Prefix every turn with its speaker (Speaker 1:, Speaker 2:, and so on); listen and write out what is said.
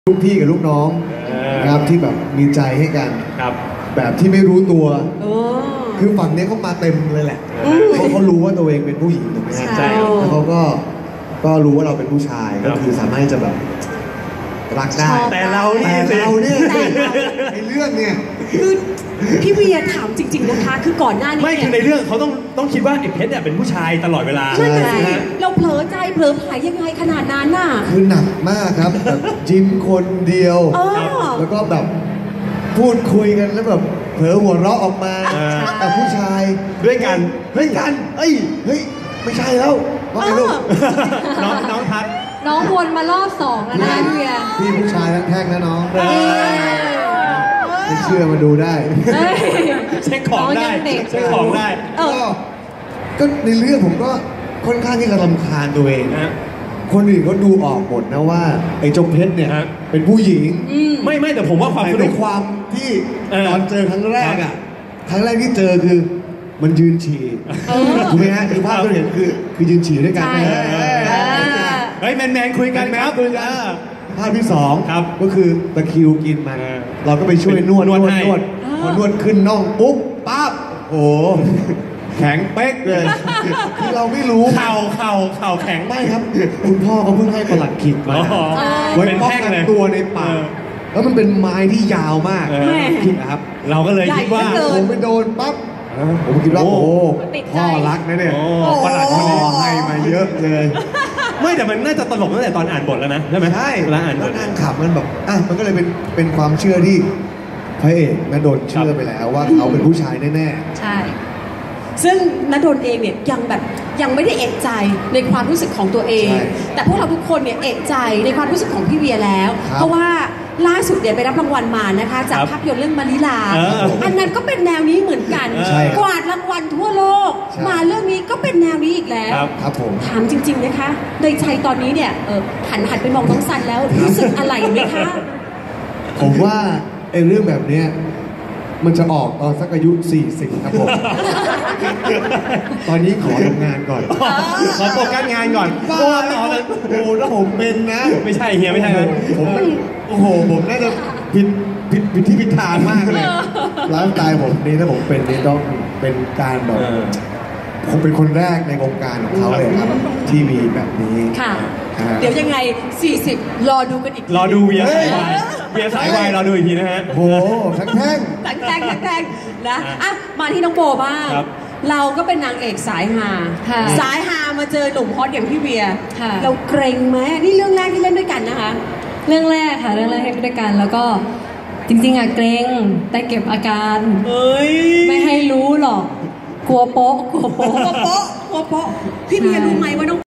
Speaker 1: ลูกพี่กับลูกน้องนะครับที่แบบมีใจให้กันแบบที่ไม่รู้ตัวคือฝั่งนี้เขามาเต็มเลยแหละเขารู้ว่าตัวเองเป็นผู้หญิงถูกไหมฮะแล้วเขาก็รู้ว่าเราเป็นผู้ชายก็คือสามารถจะแบบรักได้
Speaker 2: แต่เราเนี่ย
Speaker 1: ในเรื่องเนี่ย
Speaker 3: คือพี่เวียถามจริงๆนะคะคือก่อนหน้านี้
Speaker 2: ไม่คือในเรื่องเขาต้องคิดว่าไอ้เพชรเนี่ยเป็นผู้ชายตลอดเวลา
Speaker 3: ใช่ไหมเราเผลอใจเผลอผายยังไงขนาดนั้นน่ะ
Speaker 1: คือหนักมากครับแบบจิ้มคนเดียวแล้วก็แบบพูดคุยกันแล้วแบบเผลอหัวเราะออกมาแต่ผู้ชาย
Speaker 2: ด้วยกัน
Speaker 1: เฮ้ยไม่ใช่แล้วว่าไงลูก
Speaker 2: น้องพัด
Speaker 4: น้องวนมารอบสองแล้วนะพี่เวีย
Speaker 1: พี่ผู้ชายทั้งแท่งนะน้องไม่เชื่อมาดูได้
Speaker 2: เช็คของได้เช็คของได้
Speaker 1: ก็ในเรื่องผมก็ค่อนข้างที่จะรำคาญตัวเองคนอื่นเขาดูออกหมดนะว่าไอ้จงเพชรเนี่ยเป็นผู้หญิง
Speaker 2: ไม่แต่ผมว่าความ
Speaker 1: ในความที่ตอนเจอครั้งแรกที่เจอคือมันยืนฉี่ถูกไหมฮะคือภาพที่เห็นคือยืนฉี่ด้วยกัน
Speaker 2: เฮ้ยแมนคุยกันครับ
Speaker 1: ภาพที่2ก็คือตะคริวกินมันเราก็ไปช่วยนวดพอนวดขึ้นน่องปุ๊บปั๊บโอ้แข็งเป๊กเลยคือเราไม่รู้
Speaker 2: เข่าแข็ง
Speaker 1: ไม่ครับคุณพ่อเขาเพิ่งให้ประหลัดขิกมาไว้ป้องกันตัวในป่าแล้วมันเป็นไม้ที่ยาวมากขิกนะครับ
Speaker 2: เราก็เลยคิดว่า
Speaker 1: ผมไปโดนปั๊บผมคิดว่าโอ้พ่อรักนะเนี่ยประหลัดพ่อให้มาเยอะเลย
Speaker 2: ไม่แต่มันน่าจะตลกตั้งแต่ตอนอ่านบทแล้วนะใช่ไหม
Speaker 1: ใช่แล้วอ่านบทนั่งขับมันแบบมันก็เลยเป็นความเชื่อที่พระเอกณดลเชื่อไปแล้วว่าเขาเป็นผู้ชายแน่
Speaker 3: ๆใช่ซึ่งณดลเองเนี่ยยังไม่ได้เอะใจในความรู้สึกของตัวเองแต่พวกเราทุกคนเนี่ยเอะใจในความรู้สึกของพี่เวียแล้วเพราะว่าล่าสุดเนี่ยไปรับรางวัลมานะคะจากภาพยนตร์เรื่องมาริลาอันนั้นก็เป็นแนวนี้เหมือนกันกวาดรางวัลทั่วโลกมาเรื่องนี้ก็เป็นแนวนี้อีกแล้ว
Speaker 1: ครับผม
Speaker 3: ถามจริงๆนะคะในใจตอนนี้เนี่ยหันไปมองน้องซันแล้วรู้สึกอะไรไหมคะ
Speaker 1: ผมว่าไอ้เรื่องแบบเนี้ยมันจะออกตอนสักอายุ40ครับผมตอนนี้ขอทำงานก่อน
Speaker 2: ขอโฟกัสงานก่อน
Speaker 1: เพราะว่าตอนนั้นถ้าผมเป็นนะ
Speaker 2: ไม่ใช่เฮียไม่ใช่เลย
Speaker 1: ผมน่าจะผิดที่ผิดทางมากเลยไลฟ์สไตล์ผมนี่ถ้าผมเป็นนี่ต้องเป็นการแบบผมเป็นคนแรกในวงการของเขาเลยครับที่มีแบบนี้
Speaker 3: ค่ะเดี๋ยวยังไง40รอดูกันอีก
Speaker 2: รอดูเวียสายวายรอดูอีกทีนะฮะ
Speaker 1: โอ้ทั้งแท่ง
Speaker 3: นะมาที่น้องโบบ้างเราก็เป็นนางเอกสายฮามาเจอหนุ่มฮอตอย่างพี่เวียเราเกรงไหมนี่เรื่องแรกที่เล่นด้วยกันนะคะ
Speaker 4: เรื่องแรกค่ะเรื่องแรกให้ด้วยกันแล้วก็จริงๆเกรงแต่เก็บอาการไม่ให้รู้หรอกกลัวโป๊ะ
Speaker 3: พี่เวียรู้ไหมว่าน้อง